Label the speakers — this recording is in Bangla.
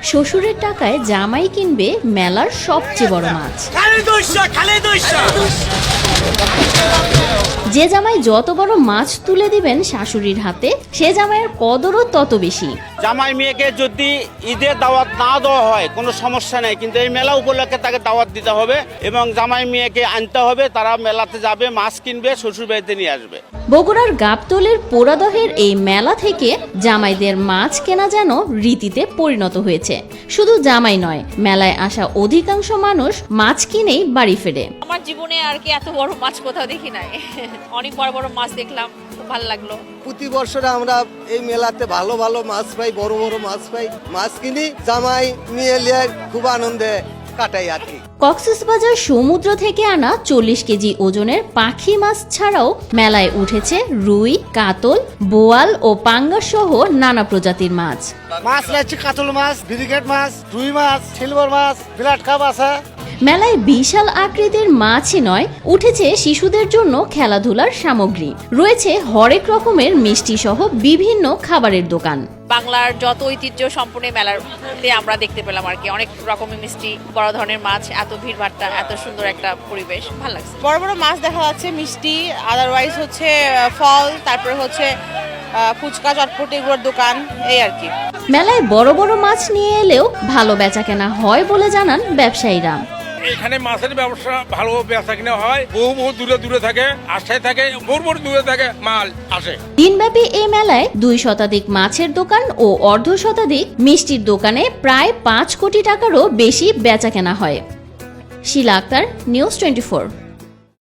Speaker 1: শ্বশুরের টাকায় জামাই কিনবে মেলার সবচেয়ে বড় মাছ। যে জামাই যত বড় মাছ তুলে দিবেন শাশুড়ির হাতে, সে জামাইয়ের কদরও তত বেশি।
Speaker 2: জামাই মেয়েকে যদি ঈদের দাওয়াত না দেওয়া হয় কোনো সমস্যা নেই, কিন্তু এই মেলা উপলক্ষে তাকে দাওয়াত দিতে হবে এবং জামাই মেয়েকে আনতে হবে। তারা মেলাতে যাবে, মাছ কিনবে, শ্বশুর বাড়িতে নিয়ে আসবে।
Speaker 1: বগুড়ার গাবতলীর পোড়াদহের এই মেলা থেকে জামাইদের মাছ কেনা যেন রীতিতে পরিণত হয়েছে। শুধু জামাই নয়, মেলায় আসা অধিকাংশ মানুষ মাছ কিনেই বাড়ি ফেরে।
Speaker 3: আমার জীবনে আর কি এত বড় মাছ কোথাও দেখি নাই। অনেক বড় বড় মাছ দেখলাম, খুব ভালো লাগলো।
Speaker 4: প্রতি বছরে আমরা এই মেলাতে ভালো ভালো মাছ পাই, বড় বড় মাছ পাই, মাছ কিনি, জামাই মেয়ে লিয়ে খুব আনন্দে কাটাই আর কি।
Speaker 1: কক্সবাজার সমুদ্র থেকে আনা 40 কেজি ওজনের পাখি মাছ ছাড়াও মেলায় উঠেছে রুই, কাতল, বোয়াল ও পাঙ্গাস সহ নানা প্রজাতির মাছ।
Speaker 4: মাছ লাগছে কাতল মাছ, ব্রিগেড মাছ, রুই মাছ, সিলভার মাছ, ব্লাড কাপ আছে।
Speaker 1: মেলায় বিশাল আকৃতির মাছই নয়, উঠেছে শিশুদের জন্য খেলাধুলার সামগ্রী, রয়েছে হরেক রকমের মিষ্টি সহ বিভিন্ন খাবারের দোকান।
Speaker 3: বাংলার যত ঐতিহ্য সম্পূর্ণ মেলাতে আমরা দেখতে পেলাম আর কি। অনেক রকমের মিষ্টি, বড় ধরনের মাছ, এত ভিড়ভাট্টা, এত সুন্দর একটা পরিবেশ, ভালো লাগছে।
Speaker 5: বড় বড় মাছ দেখা যাচ্ছে, মিষ্টি, আদারওয়াইজ হচ্ছে ফল, তারপরে হচ্ছে ফুচকা, চটপটি এগুলোর দোকান, এই আর কি।
Speaker 1: মেলায় বড় বড় মাছ নিয়ে এলেও ভালো বেচাকেনা হয় বলে জানান ব্যবসায়ীরা।
Speaker 6: এখানে মাছের ব্যবসা ভালো, বেচা কিনা হয়, বহু দূরে দূরে থাকে, আশায় থাকে, বহু দূরে থাকে মাল আসে।
Speaker 1: দিনব্যাপী এই মেলায় 2 শতাধিক মাছের দোকান ও অর্ধ শতাধিক মিষ্টির দোকানে প্রায় 5 কোটি টাকারও বেশি বেচাকেনা হয়। শিলা আক্তার, নিউজ 24।